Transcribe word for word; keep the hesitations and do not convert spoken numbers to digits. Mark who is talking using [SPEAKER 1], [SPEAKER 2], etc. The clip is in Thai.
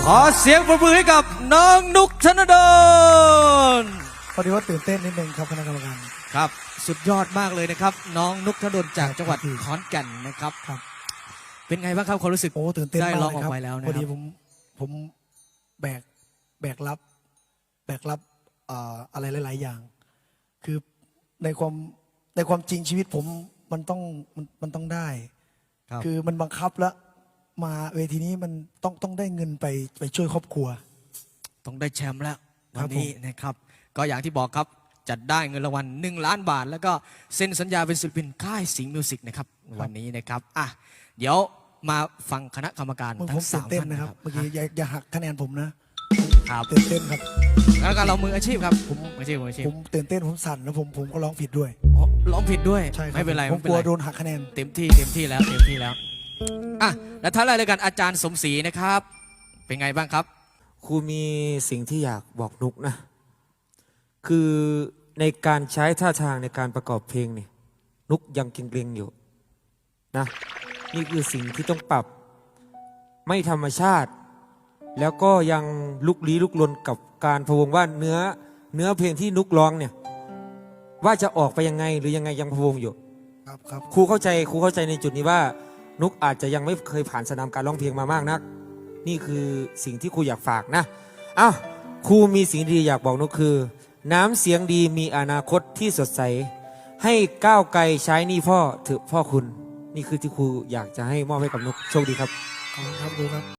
[SPEAKER 1] ขอเสียงปรบมือให้กับน้องนุกธนดล
[SPEAKER 2] พอดีว่าตื่นเต้นนิดนึงครับคณะกรรมการ
[SPEAKER 1] ครับสุดยอดมากเลยนะครับน้องนุกธนดลจากจังหวัดขอนแก่นนะครับ
[SPEAKER 2] ครับ
[SPEAKER 1] เป็นไงบ้างครับความรู้สึก
[SPEAKER 2] โอ้ตื่นเต้น
[SPEAKER 1] ได้
[SPEAKER 2] มาก
[SPEAKER 1] ลองออก
[SPEAKER 2] เลยครับ
[SPEAKER 1] ไปแล้วนะ
[SPEAKER 2] พอดี
[SPEAKER 1] ครับ
[SPEAKER 2] ผมผมแบกแบกรับแบกรับเอ่ออะไรหลายๆอย่าง คือในความในความจริงชีวิตผมมันต้องมันมันต้องได้
[SPEAKER 1] ครับ
[SPEAKER 2] คือมันบังคับแล้วมาเวทีนี้มันต้องต้องได้เงินไปไปช่วยครอบครัว
[SPEAKER 1] ต้องได้แชมป์แล้ว
[SPEAKER 2] ครั
[SPEAKER 1] วั
[SPEAKER 2] บ
[SPEAKER 1] นนี้นะครับก็อย่างที่บอกครับจัดได้เงินรางวัลหนึ่งล้านบาท แล้วก็เซ็นสัญญาเป็นศิลปินค่ายสิงห์มิวสิกนะครับวันนี้นะครับอ่ะเดี๋ยวมาฟังคณะกรรมการ
[SPEAKER 2] ผม
[SPEAKER 1] ทั้
[SPEAKER 2] ผม
[SPEAKER 1] ง
[SPEAKER 2] ตื่
[SPEAKER 1] สาน ม
[SPEAKER 2] เต้น
[SPEAKER 1] ท่าน
[SPEAKER 2] นะ
[SPEAKER 1] นะ
[SPEAKER 2] ค
[SPEAKER 1] ค
[SPEAKER 2] รั
[SPEAKER 1] รั
[SPEAKER 2] บบ เมื่อกี้อย่าอย่าหักคะแนนผมนะครับ ตื่นเต้นครับ
[SPEAKER 1] คณะกรรมการเรามืออาชีพครับผมมืออาชีพมืออาชีพ
[SPEAKER 2] ผมตื่นเต้นผมสั่นแล้วผมผมก็ร้องผิดด้วย
[SPEAKER 1] อ๋อร้องผิดด้วย
[SPEAKER 2] ใช่ครับ
[SPEAKER 1] ไม่เป็นไร
[SPEAKER 2] ผม
[SPEAKER 1] ไม่เป็
[SPEAKER 2] ก
[SPEAKER 1] น
[SPEAKER 2] ลัว
[SPEAKER 1] ไร
[SPEAKER 2] โดนหักคะแนน
[SPEAKER 1] เต็มที่เต็มที่แล้วเต็มที่แล้วอ่ะและท้ายรายการอาจารย์สมศรีนะครับ เป็นไงบ้างครับ
[SPEAKER 3] ครูมีสิ่งที่อยากบอกนุกนะ คือในการใช้ท่าทางในการประกอบเพลงนี่นุกยังเกรงๆอยู่นะนี่คือสิ่งที่ต้องปรับไม่ธรรมชาติ แล้วก็ยังลุกลี้ลุกลนกับการพะวงว่าเนื้อเนื้อเพลงที่นุกร้องเนี่ยว่าจะออกไปยังไงหรือยังไงยังพะวงอยู่
[SPEAKER 2] ครับครับ
[SPEAKER 3] ครูเข้าใจครูเข้าใจในจุดนี้ว่านุกอาจจะยังไม่เคยผ่านสนามการร้องเพลงมามากนัก นี่คือสิ่งที่ครูอยากฝากนะอ้าวครูมีสิ่งดีอยากบอกนุกคือ น้ำเสียงดีมีอนาคตที่สดใสให้ก้าวไกลใช้นี่พ่อเถอะพ่อคุณนี่คือที่ครูอยากจะให้มอบให้กับนุกโชคดีครับ
[SPEAKER 2] ขอบคุณครับครูครับ